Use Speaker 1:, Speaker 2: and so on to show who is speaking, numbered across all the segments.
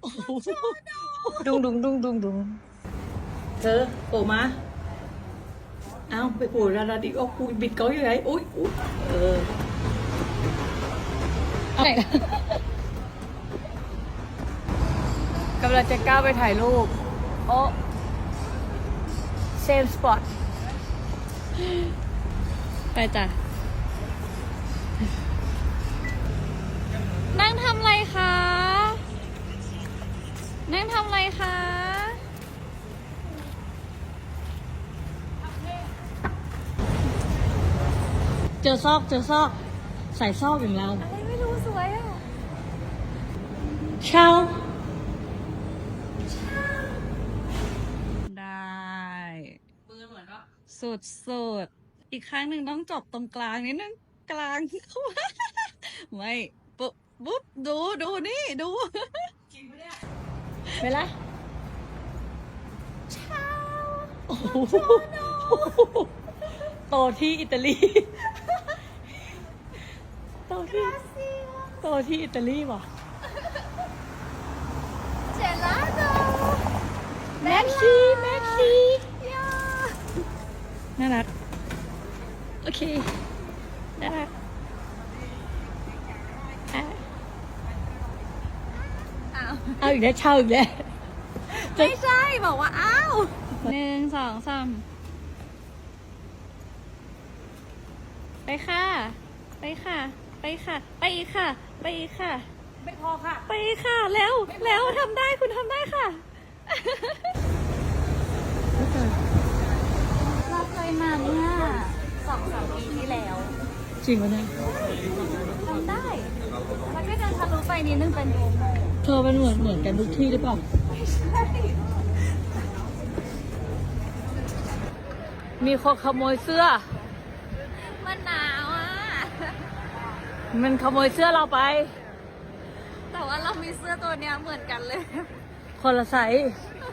Speaker 1: ดุงดุงดุงดุงดุงเธอโผล่มาเอาไปโผล่ดาราดิโอ้กูบิดเขาอยู่ไหนอุ้ยอะไรนะกำลังจะก้าวไปถ่ายรูปโอ้เซมสปอตไปจ้ะนั่งทำอะไรคะนั่งทำอะไรคะเจอซอกใส่ซอกอย่างเราอะไรไม่รู้สวยอ่ะเช่าได้ปืนเหมือนว่าสุดอีกครั้งหนึ่งต้องจบตรงกลางนิดนึงกลางเข้ามาไม่ปุ๊บดูนี่ดูจริงปะเนี่ยไปละเช่าโอ้โหโตที่อิตาลีโตที่อิตาลีว่ะ
Speaker 2: เจลาโต
Speaker 1: แม็กซี่น่ารักโอเคน่ารักเอาอีกแล้วเช่าอีกแล้ว
Speaker 2: ไม่ใช่บอกว่าอ้าว
Speaker 1: 1 2 3ไปค่ะไปอีกค่ะไม่พอค่ะไปค่ะแล้วทำได้คุณทำได้ค่ะ
Speaker 2: เราเคยมาเมื่อ2-3 ปีที่แล้ว
Speaker 1: จริงปะเนี่ย
Speaker 2: ทำได้มันก็จะทะลุไปนิดนึงเป็นโดโม
Speaker 1: เธอเป็นเหมือนกันทุกที่หรือเปล่า
Speaker 2: ไม่ใช่
Speaker 1: มีคนขโมยเสื้อ
Speaker 2: มันหนาวอ่ะ
Speaker 1: มันขโมยเสื้อเราไป
Speaker 2: แต่ว่าเรามีเสื้อตัวเนี้ยเหมือนกันเลย
Speaker 1: คนละไซส์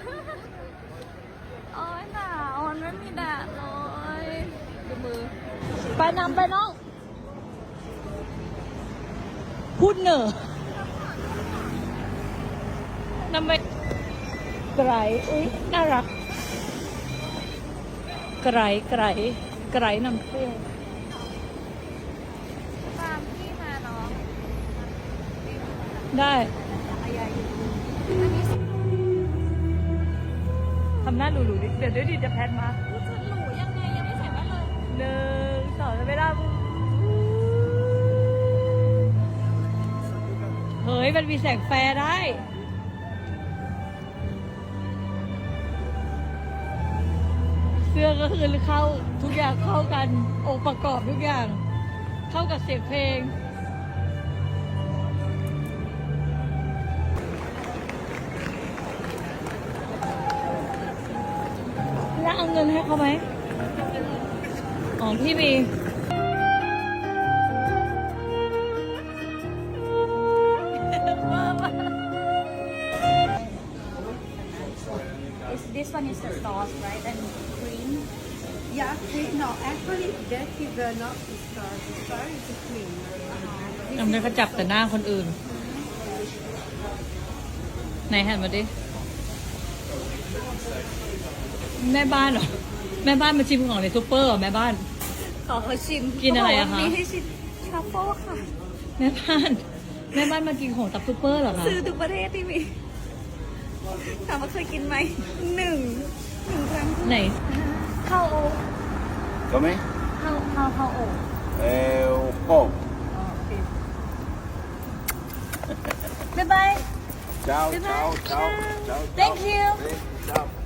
Speaker 2: โอ้ยหนาวมันไม่มีแดดเลยดูมือ
Speaker 1: ไปน้องพูดเหนอนำไปไกรอุ้ยน่ารักไกรนำเที่ยว
Speaker 2: ตามพี่มาเนาะ
Speaker 1: ได้ทำหน้าหลูๆดิเดี๋ยวดิจะแพนมา
Speaker 2: จะหลูยังไงยังไม่ใส่บ้านเลย
Speaker 1: 1 2จะไม่ได้เฮ้ยมันมีแสงแฟร์ได้เสื้อก็คือเข้าทุกอย่างเข้ากันองค์ประกอบทุกอย่างเข้ากับเสียงเพลงแล้วเอาเงินให้เขาไหมอ๋อพี่มี
Speaker 2: This one is the sauce, right? And cream.
Speaker 3: Yeah, cream. No, actually, that is not the star. The star is the cream.
Speaker 1: ทำไมเขาจับแต่หน้าคนอื่นไหนหันมาดิแม่บ้านเหรอแม่บ้านมาชิมของในซูเปอร์เหรอแม่บ้าน
Speaker 2: ขอเขาชิม
Speaker 1: กินอะไรอะคะ
Speaker 2: มีให้ชิมทรัฟเฟิลค่ะ
Speaker 1: แม่บ้านมากินของตับซูเปอร์เหรอคะ
Speaker 2: ซื้อทุกประเทศที่มีถามว่าเคยกินไหมหนึ่งครั้ง
Speaker 1: ไหน
Speaker 2: ข้าวโอ๊ต
Speaker 4: Come?
Speaker 2: ข้าวโอ๊ต
Speaker 4: un po'.
Speaker 2: บ๊ายบาย
Speaker 4: Ciao,
Speaker 2: Bye-bye.
Speaker 4: ciao, ciao, ciao.
Speaker 2: Thank you.
Speaker 4: Ciao.